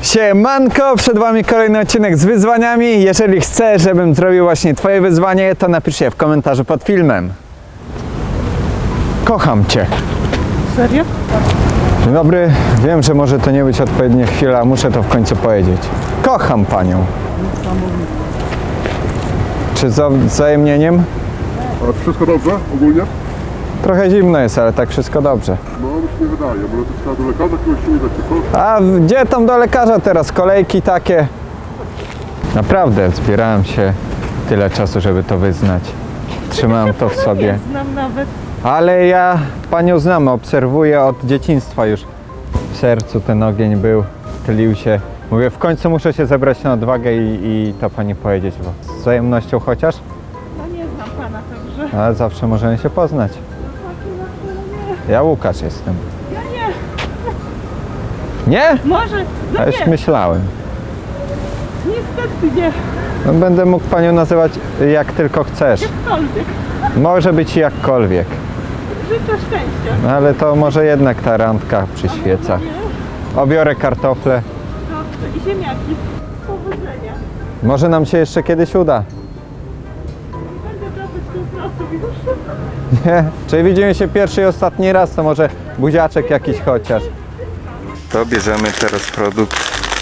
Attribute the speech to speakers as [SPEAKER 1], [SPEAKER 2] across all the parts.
[SPEAKER 1] Siemanko, przed wami kolejny odcinek z wyzwaniami. Jeżeli chcesz, żebym zrobił właśnie twoje wyzwanie, to napisz je w komentarzu pod filmem. Kocham cię.
[SPEAKER 2] Serio?
[SPEAKER 1] Dzień dobry, wiem, że może to nie być odpowiednia chwila, muszę to w końcu powiedzieć. Kocham panią. Czy z wzajemnieniem?
[SPEAKER 3] A wszystko dobrze ogólnie?
[SPEAKER 1] Trochę zimno jest, ale tak wszystko dobrze.
[SPEAKER 3] No, mi się nie wydaje, może to trzeba do lekarza kogoś nie dać, czy co?
[SPEAKER 1] A gdzie tam do lekarza teraz? Kolejki takie. Naprawdę zbierałem się tyle czasu, żeby to wyznać. Trzymałem to w sobie.
[SPEAKER 2] Nie znam nawet.
[SPEAKER 1] Ale ja panią znam, obserwuję od dzieciństwa już. W sercu ten ogień był, tlił się. Mówię, w końcu muszę się zebrać na odwagę i to pani powiedzieć, bo z wzajemnością chociaż,
[SPEAKER 2] No nie znam pana także.
[SPEAKER 1] ale zawsze możemy się poznać. Ja Łukasz jestem.
[SPEAKER 2] Ja nie.
[SPEAKER 1] Nie?
[SPEAKER 2] Może, no
[SPEAKER 1] A już
[SPEAKER 2] nie.
[SPEAKER 1] myślałem.
[SPEAKER 2] Niestety nie.
[SPEAKER 1] No, będę mógł panią nazywać jak tylko chcesz.
[SPEAKER 2] Jakkolwiek.
[SPEAKER 1] Może być jakkolwiek.
[SPEAKER 2] Życzę szczęścia.
[SPEAKER 1] No, ale to może jednak ta randka przyświeca.
[SPEAKER 2] Nie.
[SPEAKER 1] Obiorę kartofle.
[SPEAKER 2] Dobrze. I ziemniaki. Powodzenia.
[SPEAKER 1] Może nam się jeszcze kiedyś uda.
[SPEAKER 2] Będę wracać do pracy już.
[SPEAKER 1] Nie? Czyli widzimy się pierwszy i ostatni raz, to może buziaczek jakiś chociaż. To bierzemy teraz produkt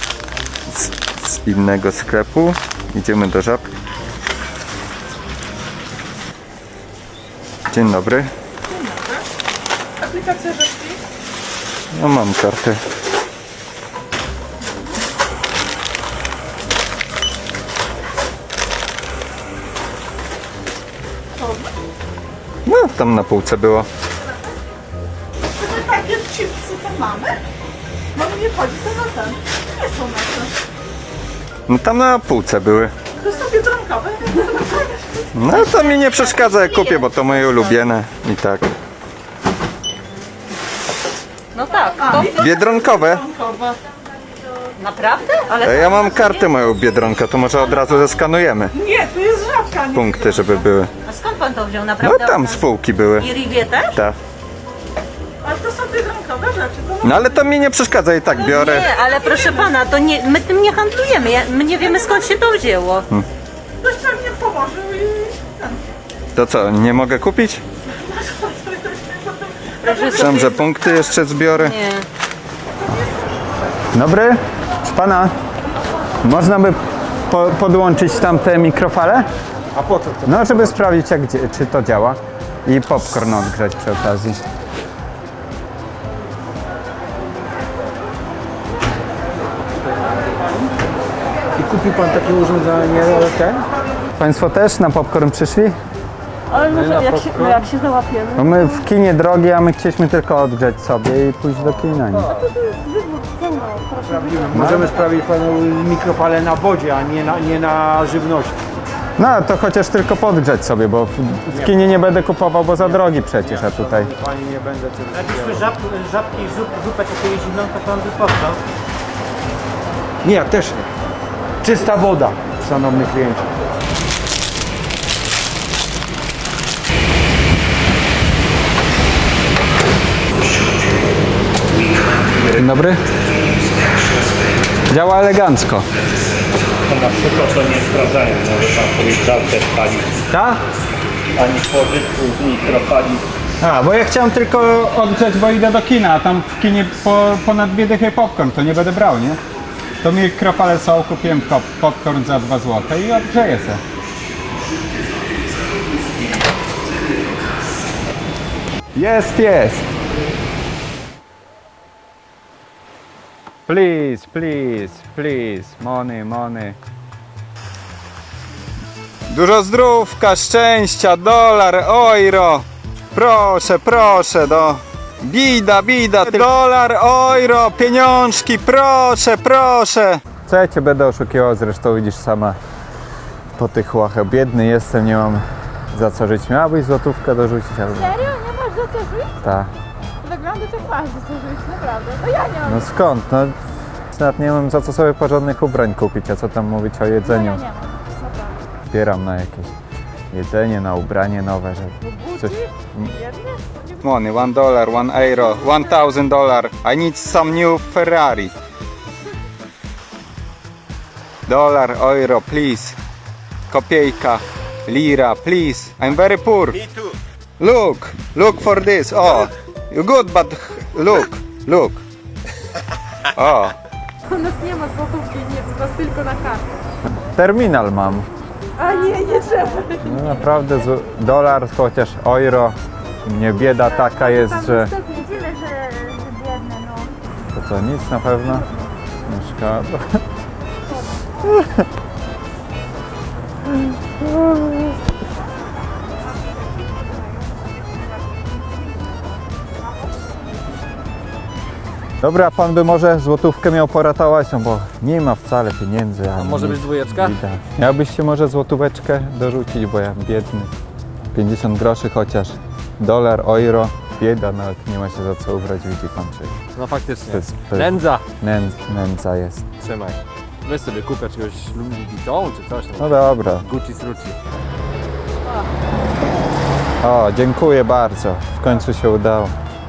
[SPEAKER 1] z innego sklepu. Idziemy do Żabki. Dzień dobry.
[SPEAKER 2] Aplikacja Żabki.
[SPEAKER 1] No mam kartę. No, tam na półce było.
[SPEAKER 2] Czy takie chipsy to mamy? No nie chodzi to na ten. Nie są nasze.
[SPEAKER 1] No tam na półce były.
[SPEAKER 2] To są biedronkowe.
[SPEAKER 1] No to mi nie przeszkadza, jak kupię, bo to moje ulubione i tak.
[SPEAKER 4] No tak, to
[SPEAKER 1] Biedronkowe.
[SPEAKER 2] Biedronkowe.
[SPEAKER 4] naprawdę? Ale
[SPEAKER 1] Ja mam kartę moją Biedronkę, to może od razu zeskanujemy
[SPEAKER 2] Nie, to jest Żabka, nie
[SPEAKER 1] punkty, żeby były.
[SPEAKER 4] a skąd pan to wziął?
[SPEAKER 1] No
[SPEAKER 4] Naprawdę?
[SPEAKER 1] tam z półki były.
[SPEAKER 4] I Rivię też?
[SPEAKER 1] Tak.
[SPEAKER 2] Ale to są biedronkowe rzeczy. To
[SPEAKER 1] No ale to mi nie przeszkadza, i tak biorę.
[SPEAKER 4] Nie, ale proszę pana, to nie, my tym nie handlujemy. My nie wiemy skąd się to wzięło.
[SPEAKER 2] ktoś pewnie położył i ten.
[SPEAKER 1] To co, nie mogę kupić?
[SPEAKER 4] Proszę
[SPEAKER 1] Myślałem, że punkty jeszcze zbiorę.
[SPEAKER 4] Nie.
[SPEAKER 1] Dobry, proszę pana, można by podłączyć tam te mikrofale?
[SPEAKER 5] A po co to?
[SPEAKER 1] No, żeby sprawdzić, czy to działa. I popcorn odgrzać przy okazji.
[SPEAKER 5] I kupił pan takie urządzenie, ale ten?
[SPEAKER 1] Państwo też na popcorn przyszli?
[SPEAKER 2] Ale może jak się załapiemy.
[SPEAKER 1] No my w kinie drogie, a my chcieliśmy tylko odgrzać sobie i pójść do kina. Nie?
[SPEAKER 5] Możemy sprawić panu mikrofale na wodzie, a nie na żywności.
[SPEAKER 1] No to chociaż tylko podgrzać sobie, bo w kinie nie będę kupował, bo za drogi przecież, a tutaj.
[SPEAKER 5] Pani nie będę czegoś
[SPEAKER 6] Jakbyśmy żabki i zupę takiej zimną, to pan by powstał.
[SPEAKER 5] Nie, ja też nie. Czysta woda, szanowny kliencie.
[SPEAKER 1] Dzień dobry. Działa elegancko.
[SPEAKER 6] Na przykład to nie sprawdzają, może pan sobie żartę spalić.
[SPEAKER 1] Tak?
[SPEAKER 6] Ani pożytku z mikrofali.
[SPEAKER 1] A, bo ja chciałem tylko odgrzać, bo idę do kina, a tam w kinie ponad 2 dychy popcorn, to nie będę brał, nie? To mikrofale są, kupiłem popcorn za 2 zł i odgrzeję se. Jest! Please, money. Dużo zdrówka, szczęścia, dolar, euro. Proszę, Bida, dolar, euro, pieniążki, proszę. Co ja cię będę oszukiwał, zresztą widzisz sama po tych łachach. Biedny jestem, nie mam za co żyć. Miałabyś złotówkę dorzucić albo...
[SPEAKER 2] Serio? Nie masz za co żyć?
[SPEAKER 1] Tak.
[SPEAKER 2] Wygląda to masz za co żyć, naprawdę. No ja nie mam.
[SPEAKER 1] No skąd? No nawet nie mam za co sobie porządnych ubrań kupić, a co tam mówić o jedzeniu.
[SPEAKER 2] Ja nie mam, naprawdę.
[SPEAKER 1] Zbieram na jakieś jedzenie, na ubranie nowe, żeby coś...
[SPEAKER 2] Jedne?
[SPEAKER 1] Money, $1, €1, $1,000. I need some new Ferrari. Dollar, euro, please. Kopiejka, lira, please. I'm very poor.
[SPEAKER 7] Me too.
[SPEAKER 1] Look for this. Oh, you good, but look. O,
[SPEAKER 8] U nas nie ma złotówki, nic, u nas tylko na kartę.
[SPEAKER 1] terminal mam.
[SPEAKER 8] A nie trzeba.
[SPEAKER 1] No naprawdę, dolar, chociaż euro. Nie bieda taka jest, że...
[SPEAKER 8] Widzimy, że biedne, no.
[SPEAKER 1] To co, nic na pewno? No szkoda. Dobra, pan by może złotówkę miał poratować, no bo nie ma wcale pieniędzy. A
[SPEAKER 5] Może być dwójeczka?
[SPEAKER 1] widać. Miałbyście może złotóweczkę dorzucić, bo ja biedny. 50 groszy chociaż. Dolar, euro. Bieda, nawet nie ma się za co ubrać, widzi pan, czy
[SPEAKER 5] No faktycznie.
[SPEAKER 1] To jest-
[SPEAKER 5] Nędza.
[SPEAKER 1] nędza jest.
[SPEAKER 5] Trzymaj. Weź sobie kupię czegoś Louis Vuitton czy coś.
[SPEAKER 1] No dobra.
[SPEAKER 5] Gucci sruci.
[SPEAKER 1] O, dziękuję bardzo. W końcu się udało.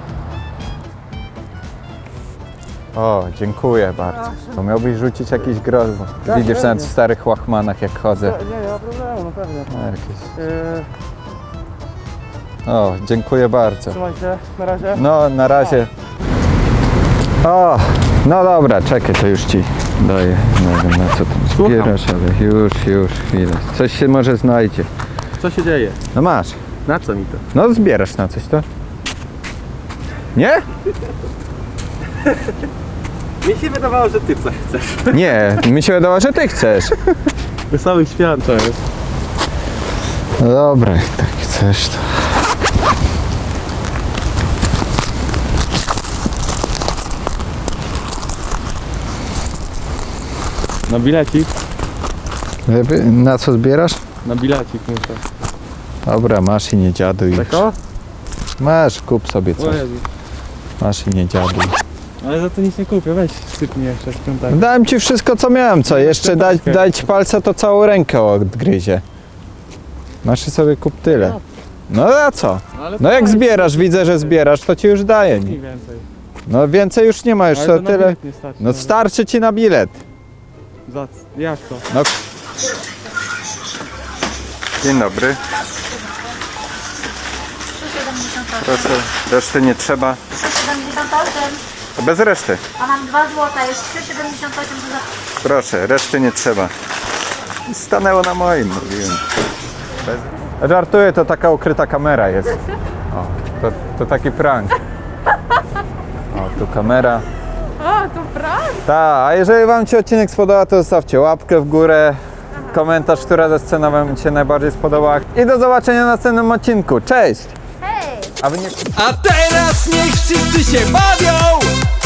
[SPEAKER 1] O, dziękuję bardzo. To miałbyś rzucić jakiś grosz, bo widzisz nawet w starych łachmanach jak chodzę.
[SPEAKER 5] Nie ma problemu, no pewnie.
[SPEAKER 1] No, jakieś... O, dziękuję bardzo.
[SPEAKER 5] Trzymaj się, na razie.
[SPEAKER 1] No, na razie. O, no dobra, czekaj, to już ci daję. Nie wiem, na co tam zbierasz, ale już, chwilę. Coś się może znajdzie.
[SPEAKER 5] Co się dzieje?
[SPEAKER 1] No masz.
[SPEAKER 5] Na co mi to?
[SPEAKER 1] No zbierasz na coś to. Nie?
[SPEAKER 5] Mi się wydawało, że ty coś chcesz.
[SPEAKER 1] Nie, mi się wydawało, że ty chcesz.
[SPEAKER 5] Wesołych świąt to jest.
[SPEAKER 1] No dobra, jak tak chcesz to.
[SPEAKER 5] Na bilecik?
[SPEAKER 1] Na co zbierasz?
[SPEAKER 5] Na bilecik muszę.
[SPEAKER 1] Dobra, masz i nie dziaduj już.
[SPEAKER 5] Tako?
[SPEAKER 1] Masz, kup sobie
[SPEAKER 5] O
[SPEAKER 1] coś.
[SPEAKER 5] Jezu.
[SPEAKER 1] Masz i nie dziaduj.
[SPEAKER 5] Ale za to nic nie kupię, weź sypnij jeszcze świątek.
[SPEAKER 1] Dałem ci wszystko co miałem, co? Jeszcze dać ci palca to całą rękę odgryzie. Masz i sobie kup tyle. No a co? No jak zbierasz, widzę, że zbierasz, to ci już daję.
[SPEAKER 5] Mniej więcej.
[SPEAKER 1] No więcej już nie ma, już
[SPEAKER 5] Ale
[SPEAKER 1] to
[SPEAKER 5] to na
[SPEAKER 1] tyle.
[SPEAKER 5] bilet nie starczy.
[SPEAKER 1] No starczy ci na bilet.
[SPEAKER 5] Jak to?
[SPEAKER 1] No. Dzień dobry. Proszę, reszty nie trzeba.
[SPEAKER 8] 78,
[SPEAKER 1] Bez reszty.
[SPEAKER 8] a mam 2 złota, jest 3,78 za...
[SPEAKER 1] Proszę, reszty nie trzeba. Stanęło na moim, mówiłem. Żartuję, to taka ukryta kamera jest. O, to taki prank. O, tu kamera.
[SPEAKER 8] A, to prawda?
[SPEAKER 1] Tak, a jeżeli wam się odcinek spodobał, to zostawcie łapkę w górę, komentarz, która ze scena wam się najbardziej spodobała. I do zobaczenia w następnym odcinku. Cześć!
[SPEAKER 8] Hej!
[SPEAKER 1] A wy nie...
[SPEAKER 9] A teraz niech wszyscy się bawią!